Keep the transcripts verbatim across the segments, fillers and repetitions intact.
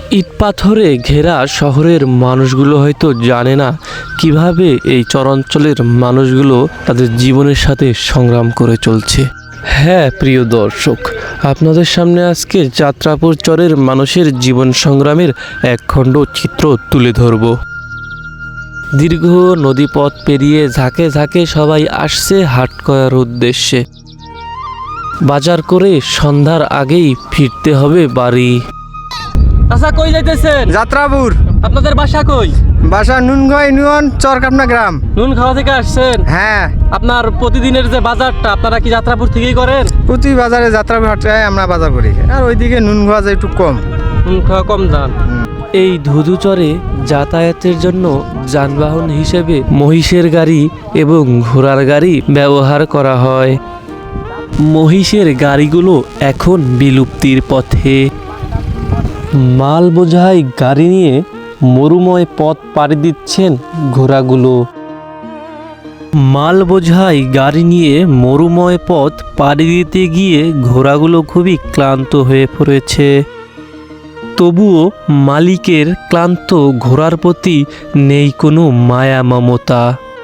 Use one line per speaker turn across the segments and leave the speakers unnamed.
ইট পাথরে ঘেরা শহরের মানুষগুলো হয়তো জানে না কিভাবে এই চরাঞ্চলের মানুষগুলো তাদের জীবনের সাথে সংগ্রাম করে চলছে। হ্যাঁ প্রিয় দর্শক, আপনাদের সামনে আজকে যাত্রাপুর চরের মানুষের জীবন সংগ্রামের এক খণ্ড চিত্র তুলে ধরব। দীর্ঘ নদীপথ পেরিয়ে ঝাঁকে ঝাঁকে সবাই আসছে হাট করার উদ্দেশ্যে। বাজার করে সন্ধ্যার আগেই ফিরতে হবে বাড়ি।
আচ্ছা, কই যাইতেছেন?
যাত্রাপুর।
আপনাদের বাসা কই?
বাসা নুনগাঁও ইউনিয়ন চরকাপনা গ্রাম।
নুন খাওয়া থেকে আসছেন?
হ্যাঁ।
আপনার প্রতিদিনের যে বাজারটা আপনারা কি যাত্রাপুর থেকেই করেন?
প্রতি বাজারে যাত্রাপুর হাটে আমরা বাজার করি, আর ওইদিকে নুনগাঁও যায় একটু কম।
নুন খাওয়া কম যান।
এই ধুধুচরে যাতায়াতের জন্য যানবাহন হিসেবে মহিষের গাড়ি এবং ঘোড়ার গাড়ি ব্যবহার করা হয়। মহিষের গাড়িগুলো এখন বিলুপ্তির পথে। মাল বোঝাই গাড়ি নিয়ে মরুময় পথ পাড়ি দিচ্ছেন ঘোড়াগুলো। মাল বোঝাই গাড়ি নিয়ে মরুময় পথ পাড়ি দিতে গিয়ে ঘোড়াগুলো খুবই ক্লান্ত হয়ে পড়েছে। তবুও মালিকের ক্লান্ত ঘোড়ার প্রতি নেই কোনো মায়া মমতা।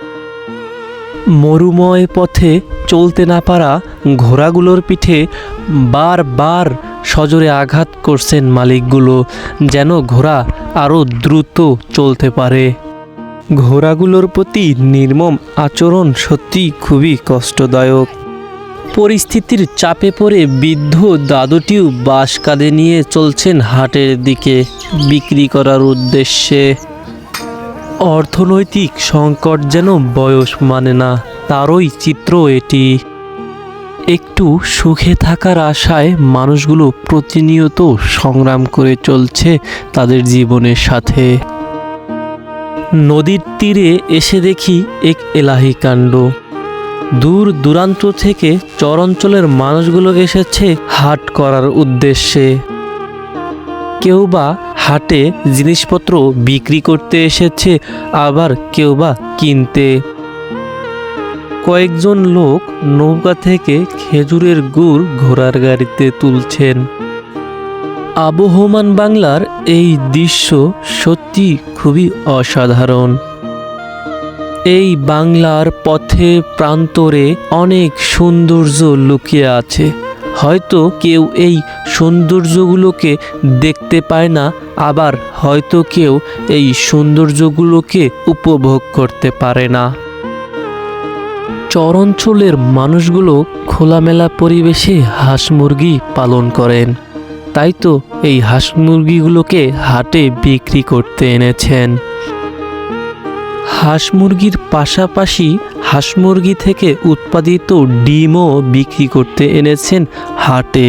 মরুময় পথে চলতে না পারা ঘোড়াগুলোর পিঠে বারবার সজোরে আঘাত করছেন মালিকগুলো, যেন ঘোড়া আরও দ্রুত চলতে পারে। ঘোড়াগুলোর প্রতি নির্মম আচরণ সত্যি খুবই কষ্টদায়ক। পরিস্থিতির চাপে পড়ে বৃদ্ধ দাদুটিও বাঁশ কাঁধে নিয়ে চলছেন হাটের দিকে বিক্রি করার উদ্দেশ্যে। অর্থনৈতিক সংকট যেন বয়স মানে না, তারই চিত্র এটি। একটু সুখে থাকার আশায় মানুষগুলো প্রতিনিয়ত সংগ্রাম করে চলছে তাদের জীবনের সাথে। নদীর তীরে এসে দেখি এক এলাহি কাণ্ড। দূর দূরান্ত থেকে চরাঞ্চলের মানুষগুলো এসেছে হাট করার উদ্দেশ্যে। কেউ বা হাটে জিনিসপত্র বিক্রি করতে এসেছে, আবার কেউ বা কিনতে। কয়েকজন লোক নৌকা থেকে খেজুরের গুড় ঘোড়ার গাড়িতে তুলছেন। আবহমান বাংলার এই দৃশ্য সত্যি খুবই অসাধারণ। এই বাংলার পথে প্রান্তরে অনেক সৌন্দর্য লুকিয়ে আছে। হয়তো কেউ এই সৌন্দর্যগুলোকে দেখতে পায় না, আবার হয়তো কেউ এই সৌন্দর্যগুলোকে উপভোগ করতে পারে না। চরাঞ্চলের মানুষগুলো খোলামেলা পরিবেশে হাঁস মুরগি পালন করেন, তাই তো এই হাঁস মুরগিগুলোকে হাটে বিক্রি করতে এনেছেন। হাঁস মুরগির পাশাপাশি হাঁস মুরগি থেকে উৎপাদিত ডিমও বিক্রি করতে এনেছেন হাটে।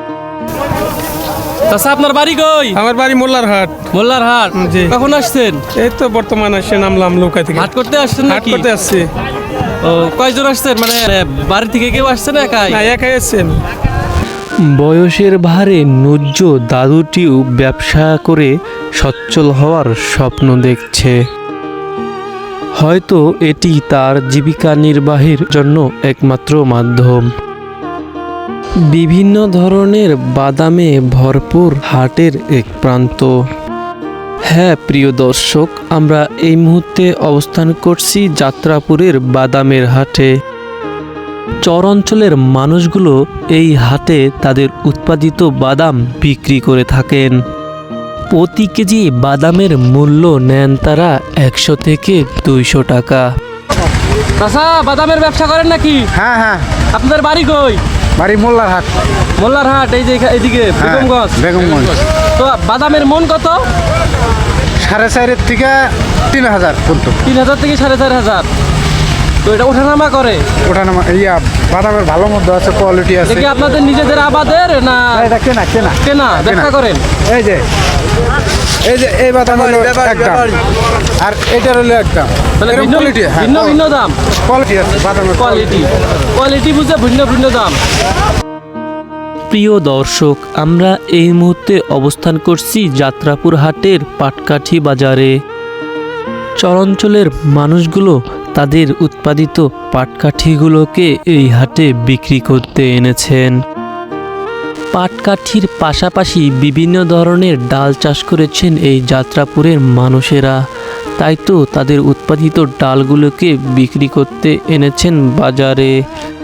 আচ্ছা, আপনার বাড়ি কই?
আমার বাড়ি মোল্লার হাট।
মোল্লার হাট।
জি।
কখন আসছেন?
এই তো বর্তমান আসছে, নামলাম নৌকা থেকে।
হাট করতে আসছেন
হাট
নাকি?
করতে আসছি।
ও, কয়জন আসছেন? মানে বাড়ি থেকে কেউ আসছেন একাই?
না, একাই আসছেন।
বয়সের ভারে নুজ্জ দাদুটিও ব্যবসা করে সচ্ছল হওয়ার স্বপ্ন দেখছে। হয়তো এটি তার জীবিকা নির্বাহের জন্য একমাত্র মাধ্যম। বিভিন্ন ধরনের বাদামে ভরপুর হাটের এক প্রান্ত। হ্যাঁ প্রিয় দর্শক, আমরা এই মুহূর্তে অবস্থান করছি যাত্রাপুরের বাদামের হাটে। চরাঞ্চলের মানুষগুলো এই হাটে তাদের উৎপাদিত বাদাম বিক্রি করে থাকেন। প্রতি কেজি বাদামের মূল্য নেন তারা একশো থেকে দুইশো টাকা।
আচ্ছা, বাদামের ব্যবসা করেন নাকি?
হ্যাঁ হ্যাঁ।
আপনাদের বাড়ি কই?
বাড়ি মোল্লার হাট।
মোল্লার হাট, এই যে এখা- এইদিকে বেগমগঞ্জ।
বেগমগঞ্জ।
তো বাদামের মন কত?
সাড়ে চারের থেকে তিন হাজার পর্যন্ত।
তিন হাজার থেকে সাড়ে চার হাজার। তো এটা ওঠানামা করে?
ওঠানামা ইয়া বাদামের ভালো মধ্যে আছে, কোয়ালিটি আছে।
দেখি আপনাদের নিজেদের আবাদের না
এটা কেনা কেনা
কেনা ব্যবসা করেন?
এই যে এই যে এই বাদাম হলো একদম, আর এটার হলো একদম।
তাহলে
এরকম
ভিন্ন
কোয়ালিটি, হ্যাঁ,
ভিন্ন ভিন্ন দাম।
কোয়ালিটি আছে বাদামের
কোয়ালিটি কোয়ালিটি বুঝে ভিন্ন ভিন্ন দাম।
প্রিয় দর্শক, আমরা এই মুহূর্তে অবস্থান করছি যাত্রাপুর হাটের পাটকাঠি বাজারে। চরাঞ্চলের মানুষগুলো তাদের উৎপাদিত পাটকাঠিগুলোকে এই হাটে বিক্রি করতে এনেছেন। পাটকাঠির পাশাপাশি বিভিন্ন ধরনের ডাল চাষ করেছেন এই যাত্রাপুরের মানুষেরা। তাই তো তাদের উৎপাদিত ডালগুলোকে বিক্রি করতে এনেছেন বাজারে।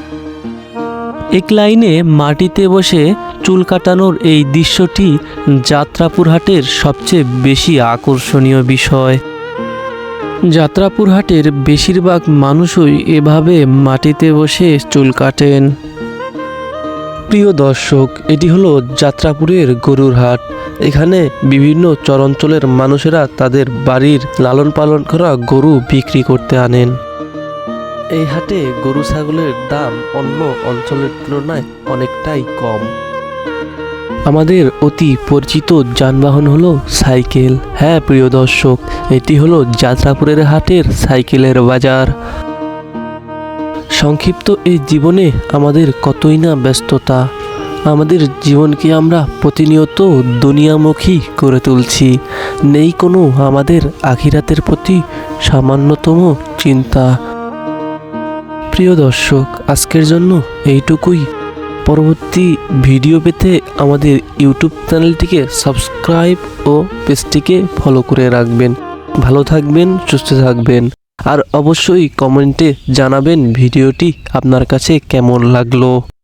এক লাইনে মাটিতে বসে চুল কাটানোর এই দৃশ্যটি যাত্রাপুর হাটের সবচেয়ে বেশি আকর্ষণীয় বিষয়। যাত্রাপুর হাটের বেশিরভাগ মানুষই এভাবে মাটিতে বসে চুল কাটেন। প্রিয় দর্শক, এটি হলো যাত্রাপুরের গরুর হাট। এখানে বিভিন্ন চরাঞ্চলের মানুষেরা তাদের বাড়ির লালন পালন করা গরু বিক্রি করতে আনেন। এই হাটে গরু ছাগলের দাম অন্য অঞ্চলের তুলনায় অনেকটাই কম। আমাদের অতি পরিচিত যানবাহন হলো সাইকেল। হ্যাঁ প্রিয় দর্শক, এটি হলো যাত্রাপুরের হাটের সাইকেলের বাজার। সংক্ষিপ্ত এই জীবনে আমাদের কতই না ব্যস্ততা। আমাদের জীবনকে আমরা প্রতিনিয়ত দুনিয়ামুখী করে তুলছি। নেই কোনো আমাদের আখিরাতের প্রতি সামান্যতম চিন্তা। প্রিয় দর্শক, আজকের জন্য এইটুকুই। পরবর্তী ভিডিও পেতে আমাদের ইউটিউব চ্যানেলটিকে সাবস্ক্রাইব ও পেজটিকে ফলো করে রাখবেন। ভালো থাকবেন, সুস্থ থাকবেন, আর অবশ্যই কমেন্টে জানাবেন ভিডিওটি আপনার কাছে কেমন লাগলো।